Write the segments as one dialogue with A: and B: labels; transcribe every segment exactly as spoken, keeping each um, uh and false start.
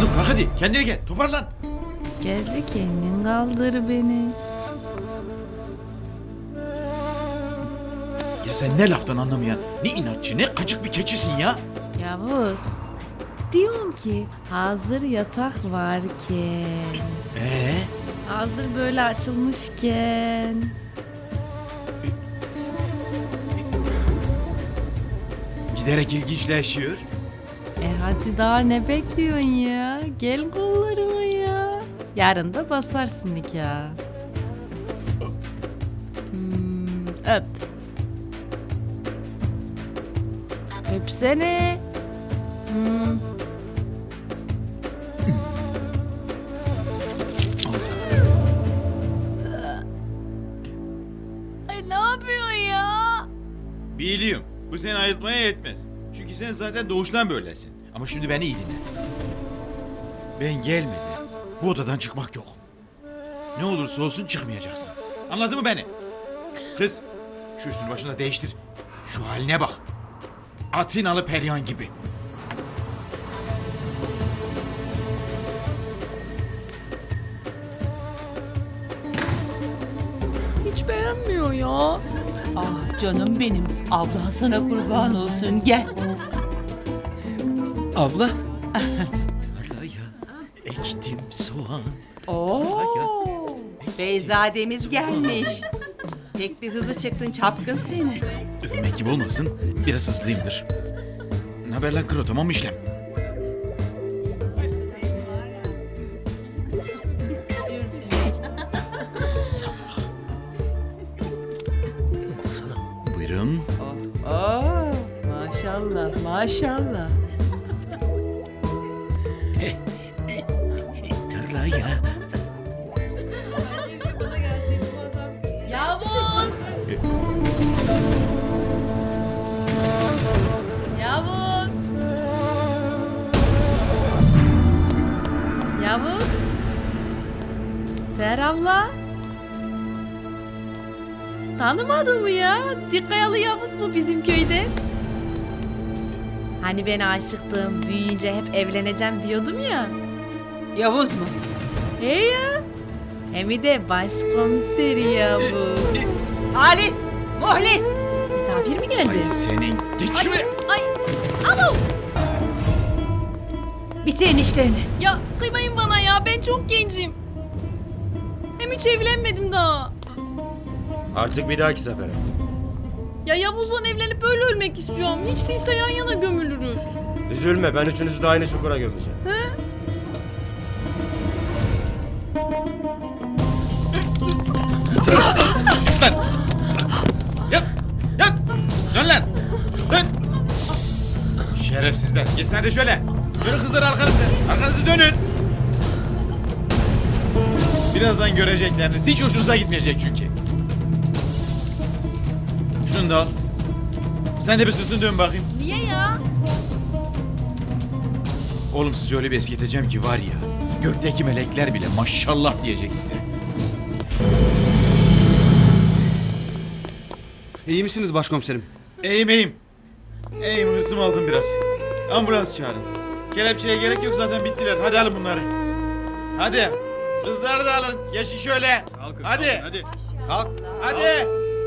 A: Kızım kalk hadi kendine gel toparlan.
B: Geldi kendin kaldır beni.
A: Ya sen ne laftan anlamayan, ne inatçı, ne kaçık bir keçisin ya.
B: Yavuz. Diyorum ki hazır yatak varken,
A: Ee?
B: hazır böyle açılmışken.
A: Giderek ilginçleşiyor.
B: E hadi daha ne bekliyorsun ya? Gel kollarıma ya. Yarın da basarsın nikah. Hmm, öp. Öpsene. Hmm.
A: Al sana.
B: Ay ne yapıyorsun ya?
A: Biliyorum. Bu seni ayıltmaya yetmez. Çünkü sen zaten doğuştan böylesin. Ama şimdi beni iyi dinle. Ben gelmeden bu odadan çıkmak yok. Ne olursa olsun çıkmayacaksın. Anladın mı beni? Kız, şu üstünü başını da değiştir. Şu haline bak. Atinalı Perihan gibi.
B: Hiç beğenmiyor ya.
C: Ah canım benim. Abla sana kurban olsun. Gel.
D: Abla.
A: Tarlaya ektim soğan.
C: Oo. Beyzademiz gelmiş. Pek bir hızlı çıktın çapkın seni.
A: Övmek gibi olmasın, biraz hızlıyımdır. Ne haber lan kro, tamam mı işlem? Sabah.
D: Baksana.
A: Buyurun.
C: Oo. Maşallah maşallah.
A: Tarlaya.
B: Yavuz! Yavuz! Yavuz! Seher abla! Tanımadın mı ya? Dikkayalı Yavuz bu bizim köyde. Hani ben aşıktım, büyüyünce hep evleneceğim diyordum ya.
C: Yavuz mu?
B: He ya! Hem de başkomiseri Yavuz.
C: Halis! Muhlis!
B: Misafir mi geldi?
A: Ay senin, git şuraya.
B: Ay! Alo!
C: Bitirin işlerini.
B: Ya kıymayın bana ya, ben çok gencim. Hem hiç evlenmedim daha.
D: Artık bir dahaki sefere.
B: Ya Yavuz'la evlenip böyle ölmek istiyorum. Hiç değilse yan yana gömülürüz.
D: Üzülme, ben üçünüzü de aynı çukura gömeceğim.
B: He?
A: Lan! Yat! Yat! Dön lan! Dön! Şerefsizler, geçsene de şöyle. Dönün kızlar arkanızı. Arkanızı dönün. Birazdan görecekleriniz hiç hoşunuza gitmeyecek çünkü. Şunu da al. Sen de bir sırtını dön bakayım.
B: Niye ya?
A: Oğlum sizi öyle bir eskiteceğim ki var ya, gökteki melekler bile maşallah diyecek size.
E: İyi misiniz başkomiserim?
A: İyiyim iyiyim. İyiyim, hırsımı aldım biraz. Ambulans çağırın. Kelepçeye gerek yok, zaten bittiler. Hadi alın bunları. Hadi. Kızları da alın. Geçin şöyle. Hadi. Hadi. Kalk. Hadi.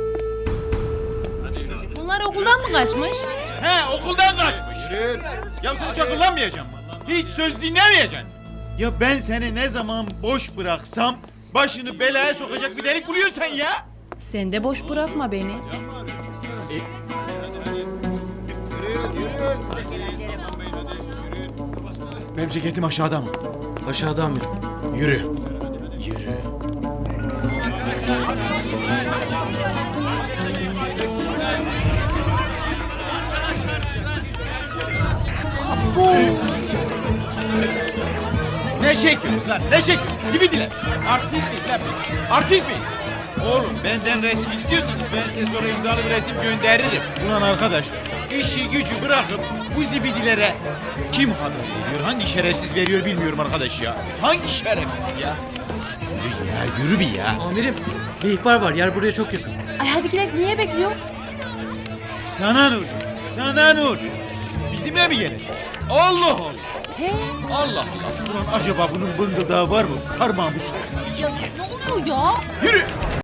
B: Bunlar okuldan mı kaçmış?
A: He, okuldan kaçmış. Ya sen hiç akıllanmayacaksın mı? Hiç söz dinlemeyeceksin. Ya ben seni ne zaman boş bıraksam başını belaya sokacak bir delik buluyorsun sen ya.
B: Sen de boş bırakma beni.
A: Benim ceketim aşağıda mı?
D: Aşağıda amirim.
A: Yürü. Yürü. Ne çekiyorsunuz lan? Ne çekiyorsunuz? Zibidiler. Artist miyiz lan biz? Artist miyiz? Oğlum benden resim istiyorsanız ben size sonra imzalı bir resim gönderirim. Ulan arkadaş, işi gücü bırakıp bu zibidilere kim haber veriyor? Hangi şerefsiz veriyor bilmiyorum arkadaş ya. Hangi şerefsiz ya? Yürü ya, yürü bir ya.
D: Amirim, bir ihbar var. Yer buraya çok yakın.
B: Ay hadi gidelim, niye bekliyor?
A: Sana nur, sana nur. Bizimle mi gelecek? Allah Allah.
C: He?
A: Allah Allah. Ulan acaba bunun bıngıldağı var mı? Parmağımı soksam.
C: Ya ne oluyor ya?
A: Yürü.